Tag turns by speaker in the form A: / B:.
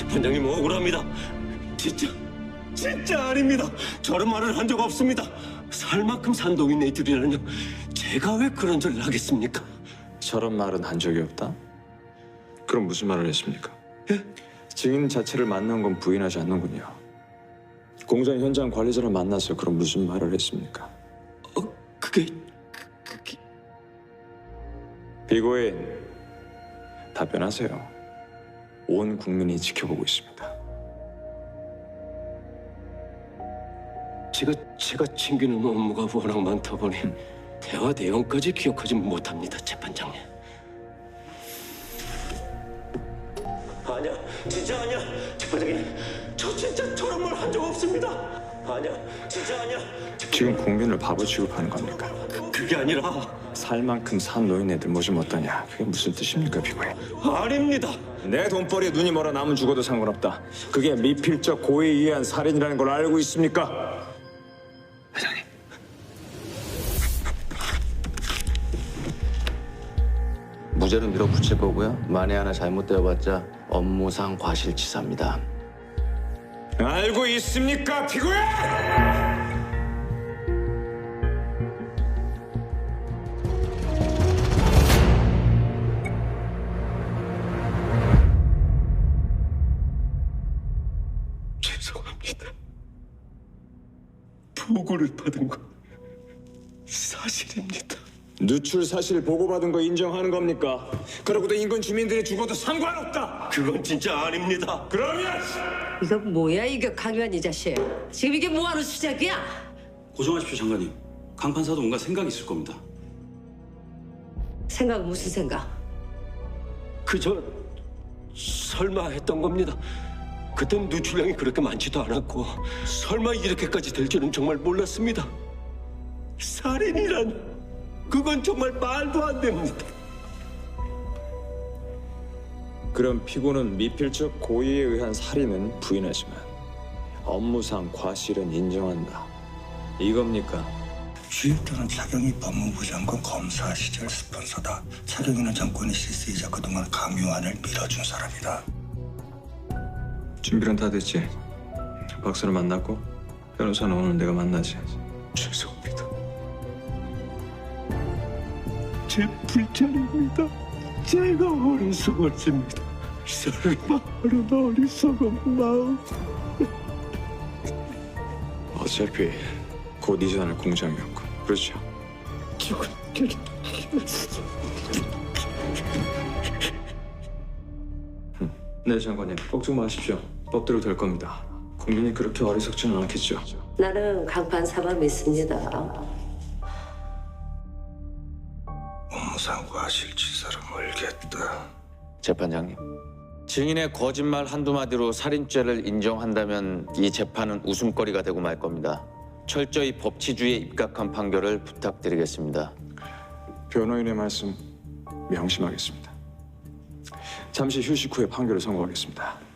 A: 재판장님 억울합니다. 진짜 아닙니다. 저런 말을 한 적 없습니다. 살 만큼 산 노인네들이라뇨. 제가 왜 그런 소리를 하겠습니까?
B: 저런 말은 한 적이 없다? 그럼 무슨 말을 했습니까?
A: 예?
B: 증인 자체를 만난 건 부인하지 않는군요. 공장 현장 관리자를 만나서 그럼 무슨 말을 했습니까?
A: 그게
B: 피고인, 답변하세요. 온 국민이 지켜보고 있습니다.
A: 제가 챙기는 업무가 워낙 많다 보니 대화 내용까지 기억하지 못합니다, 재판장님. 아니야, 진짜 아니야, 재판장님. 저 진짜 저런 말 한 적 없습니다. 아니야, 진짜 아니야.
B: 지금 국민을 바보 취급하는 겁니까?
A: 그게 아니라
B: 살 만큼 산 노인네들 모시면 어떠냐? 그게 무슨 뜻입니까, 피고인?
A: 아닙니다.
B: 내 돈벌이에 눈이 멀어 남은 죽어도 상관없다. 그게 미필적 고의에 의한 살인이라는 걸 알고 있습니까? 회장님.
C: 무죄로 밀어붙일 거고요. 만에 하나 잘못되어봤자 업무상 과실치사입니다.
B: 알고 있습니까, 피고인?
A: 죄송합니다. 보고를 받은 건 사실입니다.
B: 누출 사실 보고받은 거 인정하는 겁니까? 그러고도 인근 주민들이 죽어도 상관없다.
A: 그건 진짜 아닙니다.
B: 그러면
D: 이거 뭐야 이거 강요한 이 자식. 지금 이게 뭐하는 수작이야?
E: 고정하십시오, 장관님. 강 판사도 뭔가 생각이 있을 겁니다.
D: 생각은 무슨 생각?
A: 그저 설마 했던 겁니다. 그땐 누출량이 그렇게 많지도 않았고 설마 이렇게까지 될 줄은 정말 몰랐습니다. 살인이란 그건 정말 말도 안 됩니다.
B: 그럼 피고는 미필적 고의에 의한 살인은 부인하지만 업무상 과실은 인정한다. 이겁니까?
F: 주입되는 차경희 법무부 장관 검사 시절 스폰서다. 차경희는 정권의 실세이자 그동안 강요안을 밀어준 사람이다.
B: 준비는 다 됐지? 박사를 만났고 변호사는 오늘 내가 만나지.
A: 죄송합니다. 제 불찰입니다. 제가 어리석었습니다. 설마 그런 어리석은 마음.
B: 어차피 곧 이전할 공장이었고, 그렇죠?
A: 죽은
B: 네, 장관님. 걱정 마십시오. 법대로 될 겁니다. 국민이 그렇게 어리석지는 않겠죠.
D: 나는 강판사만 믿습니다.
F: 업무상 과실치사를 물겠다.
C: 재판장님. 증인의 거짓말 한두 마디로 살인죄를 인정한다면 이 재판은 웃음거리가 되고 말 겁니다. 철저히 법치주의에 입각한 판결을 부탁드리겠습니다.
B: 변호인의 말씀 명심하겠습니다. 잠시 휴식 후에 판결을 선고하겠습니다.